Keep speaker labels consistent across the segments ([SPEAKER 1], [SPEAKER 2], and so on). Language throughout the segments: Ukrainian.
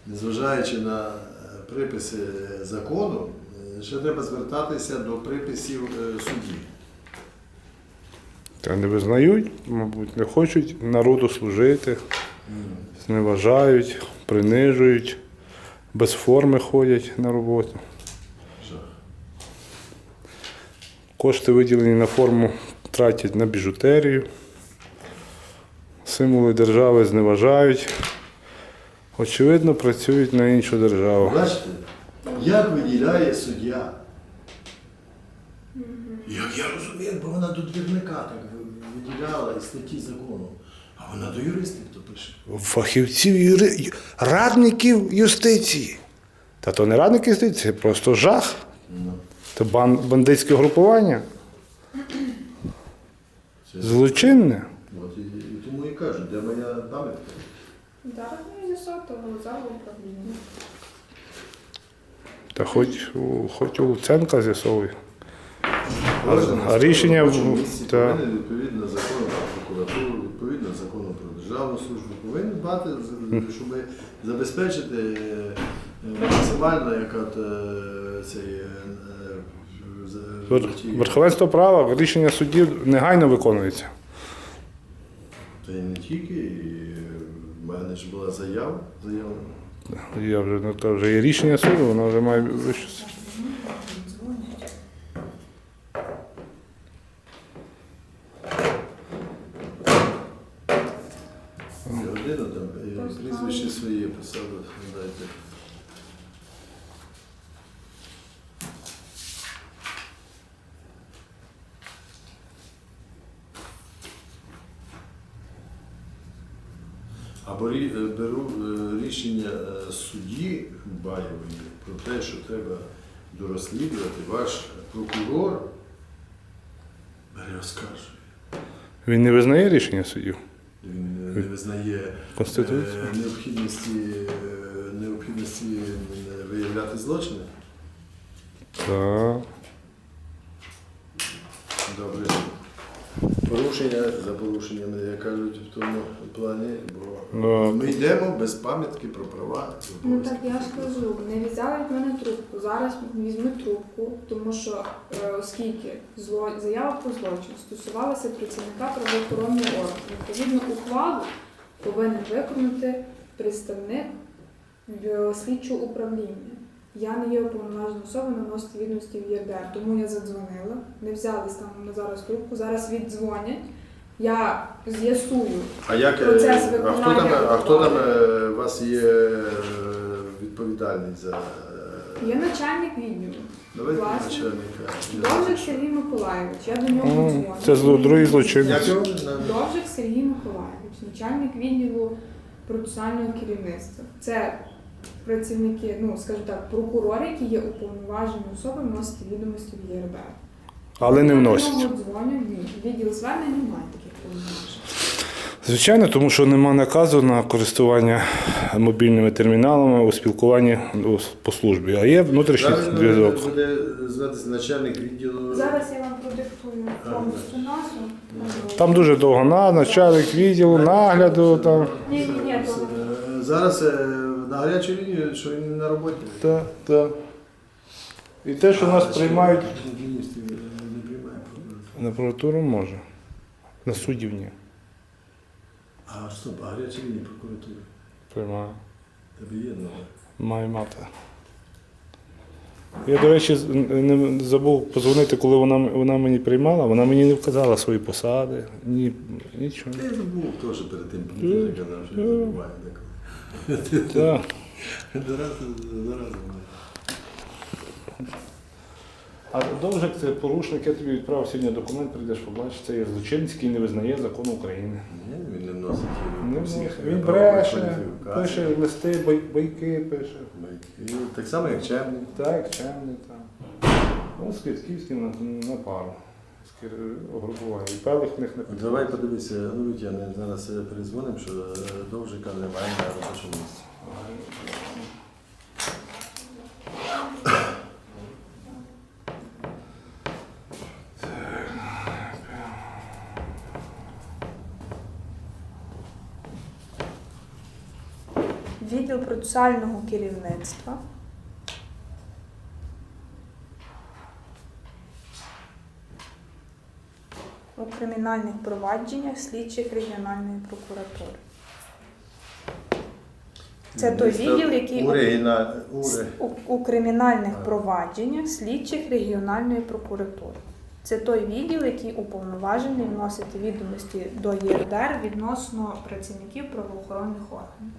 [SPEAKER 1] незважаючи на приписи закону, ще треба звертатися до приписів судді.
[SPEAKER 2] Та не визнають, мабуть, не хочуть народу служити, зневажають, принижують, без форми ходять на роботу.
[SPEAKER 1] Жах.
[SPEAKER 2] Кошти, виділені на форму, тратять на біжутерію. Символи держави зневажають. Очевидно, працюють на іншу державу.
[SPEAKER 1] Бачите, як виділяє суддя? Як я розумію, бо вона до двірника так виділяла із статті закону. А вона до юристів то пише.
[SPEAKER 2] Фахівців, радників юстиції. Та то не радники юстиції, це просто жах.
[SPEAKER 1] Ну,
[SPEAKER 2] Це бандитське групування.
[SPEAKER 1] це-
[SPEAKER 2] Злочинне.
[SPEAKER 1] От і тому і кажу, де моя пам'ятка?
[SPEAKER 3] Зараз не з'ясувати зал управління.
[SPEAKER 2] Та хоч у Луценка з'ясовує. А рішення та,
[SPEAKER 1] повинен відповідно закону про прокуратуру, відповідно закону про державну службу, повинен дбати, щоб забезпечити максимально як от цей
[SPEAKER 2] верховенство права, рішення суддів негайно виконується.
[SPEAKER 1] Та й не тільки, і в мене ж була заява.
[SPEAKER 2] Я вже ну, то вже є рішення суду, воно вже має вище.
[SPEAKER 1] Годину там прізвище своє писали, дайте. Або беру рішення судді Баєвої про те, що треба дорозслідувати, ваш прокурор бере оскаржує.
[SPEAKER 2] Він не визнає рішення суддів?
[SPEAKER 1] Він не визнає
[SPEAKER 2] Конституцію?
[SPEAKER 1] необхідності виявляти злочини.
[SPEAKER 2] Так.
[SPEAKER 1] Добре. Порушення за порушеннями, як кажуть, в тому плані, бо ми йдемо без пам'ятки про права.
[SPEAKER 3] Ну так я ж кажу, не взяли від мене трубку. Зараз візьму трубку, тому що оскільки заява про злочин стосувалася працівника правоохоронного органу, відповідно ухвалу повинен виконати представник слідчого управління. Я не є уповноважена особа наносити відомості в ЄРДР, тому я задзвонила, не взяли станом на зараз трубку, зараз віддзвонять, я з'ясую процес виконання.
[SPEAKER 1] А хто там у вас є відповідальний за...
[SPEAKER 3] Є начальник відділу.
[SPEAKER 1] Давайте
[SPEAKER 3] Власне.
[SPEAKER 1] начальника.
[SPEAKER 3] Довжик Сергій Миколайович, я до нього дзвоню.
[SPEAKER 2] Це другий злочинець.
[SPEAKER 1] Як його?
[SPEAKER 3] Довжик Сергій Миколайович, начальник відділу процесуального керівництва. Це працівники, ну, скажімо так, прокурори, які є уповноважені особи вносити відомості в ЄРДР.
[SPEAKER 2] Але не
[SPEAKER 3] Я
[SPEAKER 2] вносять.
[SPEAKER 3] до нього дзвоню, ні. Відділ звернень немає таких повноважень.
[SPEAKER 2] Звичайно, тому що нема наказу на користування мобільними терміналами у спілкуванні по службі, а є внутрішній зв'язок.
[SPEAKER 1] Буде зватися начальник відділу.
[SPEAKER 3] Зараз я вам продиктую повністю назву.
[SPEAKER 2] Там дуже довго начальник відділу, нагляду. Там.
[SPEAKER 3] Ні, то
[SPEAKER 1] Зараз на гарячу лінію, що він на роботі.
[SPEAKER 2] Так, так. І те, що нас приймають
[SPEAKER 1] Міністрів не приймає.
[SPEAKER 2] на прокуратуру може, на суддів ні.
[SPEAKER 1] А стоп, а гаряча лінія прокуратури?
[SPEAKER 2] Приймає.
[SPEAKER 1] Тебе є номер?
[SPEAKER 2] Має мати. Я, до речі, не забув подзвонити, коли вона мені приймала, вона мені не вказала свої посади, нічого.
[SPEAKER 1] Я забув теж перед тим, я казав, що я забуваю деколи.
[SPEAKER 2] Так.
[SPEAKER 1] Зараз.
[SPEAKER 2] А Довжик – це порушник, я тобі відправив сьогодні документ, прийдеш побачиш, це є злочинець, який не визнає закону України.
[SPEAKER 1] Ні, він не вносить
[SPEAKER 2] Не
[SPEAKER 1] по
[SPEAKER 2] вносить.
[SPEAKER 1] всіх
[SPEAKER 2] Він
[SPEAKER 1] правових
[SPEAKER 2] бреше,
[SPEAKER 1] кваліфікаціях.
[SPEAKER 2] пише листи, байки пише.
[SPEAKER 1] І так само, як Черний.
[SPEAKER 2] Так, чемний там. Ну, з Київським на пару. Групування. І певних в них не питає.
[SPEAKER 1] Давай подивися, ну Вітя, зараз перезвонимо, що Довжика немає на робочому місці.
[SPEAKER 3] Відділ процесуального керівництва. У кримінальних провадженнях слідчих регіональної прокуратури. Це той відділ, який у кримінальних провадженнях слідчих регіональної прокуратури. Це той відділ, який уповноважений вносити відомості до ЄРДР відносно працівників правоохоронних органів.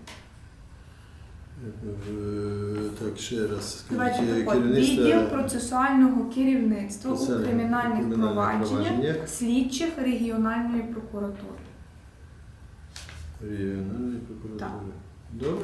[SPEAKER 1] Так, ще раз.
[SPEAKER 3] Давайте так, відділ процесуального керівництва у кримінальних провадженнях слідчих регіональної прокуратури.
[SPEAKER 1] Регіональної прокуратури. Добре.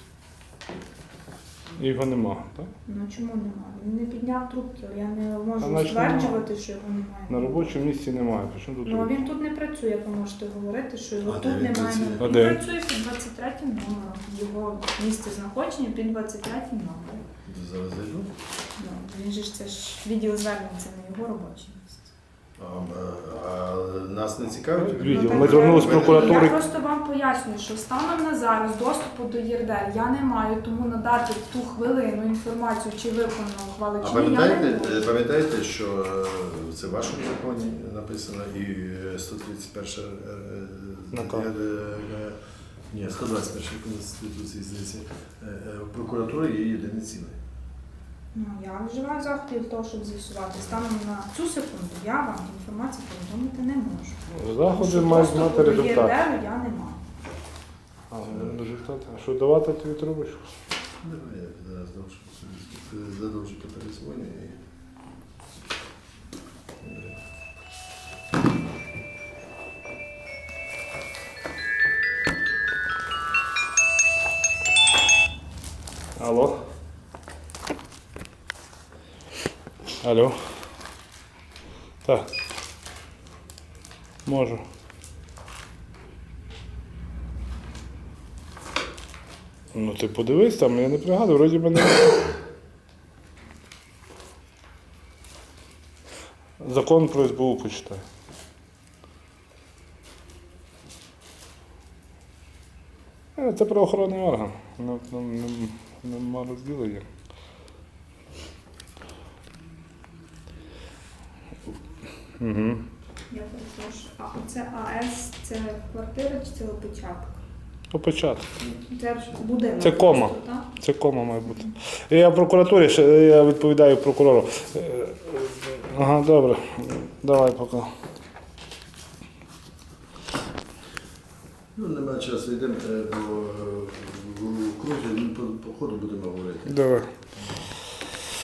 [SPEAKER 2] Його нема, так?
[SPEAKER 3] Ну чому немає? Він не підняв трубки, але я не
[SPEAKER 2] А
[SPEAKER 3] можу
[SPEAKER 2] значить,
[SPEAKER 3] стверджувати, що його немає.
[SPEAKER 2] На робочому місці немає. Причому тут?
[SPEAKER 3] Ну а він тут не працює, як ви можете говорити, що його
[SPEAKER 1] А
[SPEAKER 3] тут
[SPEAKER 1] де він
[SPEAKER 3] немає.
[SPEAKER 1] працює?
[SPEAKER 2] А
[SPEAKER 3] Він
[SPEAKER 2] де?
[SPEAKER 3] працює під 23 номером. Його місце знаходження під 23 номером.
[SPEAKER 1] Зараз зайду.
[SPEAKER 3] Ну, він же ж це ж відділ звернень, це не його робоче місце.
[SPEAKER 1] А нас не цікавить?
[SPEAKER 2] Відділ.
[SPEAKER 3] так
[SPEAKER 2] Ми звернулися з
[SPEAKER 3] Я
[SPEAKER 2] прокуратури.
[SPEAKER 3] просто вам пояснюю, що станом на зараз доступу до ЄРДР я не маю, тому надати в ту хвилину інформацію, чи виконано ухвали,
[SPEAKER 1] А
[SPEAKER 3] чи ні, я не можу.
[SPEAKER 1] пам'ятаєте, що це в вашому законі написано і 131
[SPEAKER 2] Наказ.
[SPEAKER 1] Ні, 121 Конституції, здається, прокуратура є єдине ціле.
[SPEAKER 3] Ну, я вживаю заходів для того, щоб з'ясувати. Станом на цю секунду я вам інформацію повідомити не можу.
[SPEAKER 2] Заходи мають мати
[SPEAKER 3] Доступу до
[SPEAKER 2] результат.
[SPEAKER 3] ЄРДР я не маю.
[SPEAKER 2] Результат. А що давати тобі трубочку?
[SPEAKER 1] Давай я зараз задовжу перезвоню і...
[SPEAKER 2] Алло. Алло. Так. Можу. Ну ти подивись там, я не пригадую, вроді мене. Закон про СБУ почитай. Це правоохоронний орган. Нема розділення. Угу.
[SPEAKER 3] Я перепрошую. А це АС, це квартира чи це опечаток?
[SPEAKER 2] Початок.
[SPEAKER 3] Це ж будинок.
[SPEAKER 2] Це кома.
[SPEAKER 3] просто, так?
[SPEAKER 2] Це кома має бути. Я в прокуратурі, я відповідаю прокурору. Ага, добре. Давай поки.
[SPEAKER 1] Ну, немає часу, йдемо по кругу, по ходу будемо говорити.
[SPEAKER 2] Давай.